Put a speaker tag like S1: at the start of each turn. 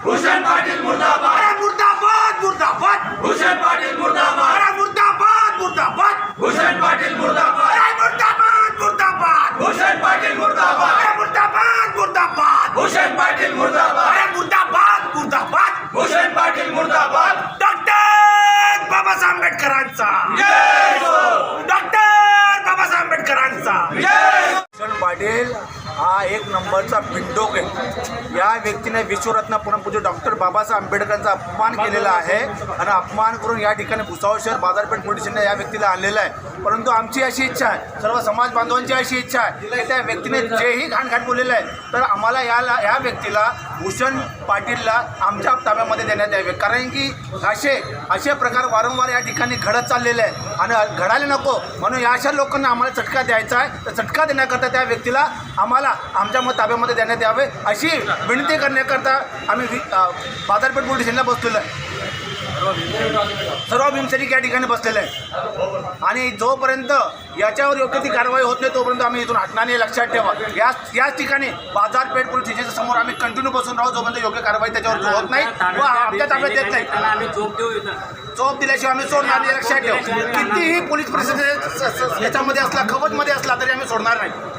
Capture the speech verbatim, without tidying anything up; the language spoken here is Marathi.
S1: भूषण पाटील मुर्दाबाद,
S2: अरे मुर्दाबाद मुर्दाबाद,
S1: भूषण पाटील मुर्दाबाद,
S2: अरे मुर्दाबाद मुर्दाबाद,
S1: भूषण पाटील मुर्दाबाद,
S2: अरे मुर्दाबाद मुर्दाबाद,
S1: भूषण पाटील मुर्दाबाद,
S2: अरे मुर्दाबाद मुर्दाबाद,
S1: भूषण पाटील मुर्दाबाद,
S2: अरे मुर्दाबाद मुर्दाबाद,
S1: भूषण पाटील मुर्दाबाद,
S2: डॉक्टर बाबासाहेब आंबेडकरांचा,
S1: जय हो,
S2: डॉक्टर बाबासाहेब आंबेडकरांचा.
S1: जय हो.
S2: भूषण पाटील हा एक नंबरचा बिंडोक आहे. या व्यक्तीने विश्वरत्न परमपूज्य डॉक्टर बाबासाहेब आंबेडकरांचा अपमान केलेला आहे आणि अपमान करून या ठिकाणी भुसावळ शहर बाजारपेठ पोलीस स्टेशनला या व्यक्तीला आणलेलं आहे. परंतु आमची अशी इच्छा आहे, सर्व समाज बांधवांची अशी इच्छा आहे की त्या व्यक्तीने जेही घाणघाण बोललेलं आहे तर आम्हाला याला या व्यक्तीला भूषण पाटीलला आमच्या ताब्यामध्ये देण्यात यावे. कारण की असे असे प्रकार वारंवार या ठिकाणी घडत चाललेले आहे आणि घडायला नको म्हणून या अशा लोकांना आम्हाला चटका द्यायचा आहे. तर चटका देण्याकरता त्या व्यक्तीला आम्हाला आमच्या मत ताब्यामध्ये देण्यात यावे अशी विनंती करण्याकरता आम्ही बाजारपेठ पोलीस स्टेशनला बसलेलो आहे. सर्व भीमसैनिक या ठिकाणी बसलेले आहे आणि जोपर्यंत याच्यावर योग्य ती कारवाई होत नाही तोपर्यंत आम्ही इथून हटणार नाही. लक्षात ठेवा. याच याच ठिकाणी बाजारपेठ पोलीस स्टेशनच्या समोर आम्ही कंटिन्यू बसून राहू जोपर्यंत योग्य कारवाई त्याच्यावर होत नाही व आमच्या ताब्यात येत नाही. चोप दिल्याशिवाय आम्ही सोडणार नाही. लक्षात ठेवा. कितीही पोलीस प्रशासन याच्यामध्ये असला खबतमध्ये असला तरी आम्ही सोडणार नाही.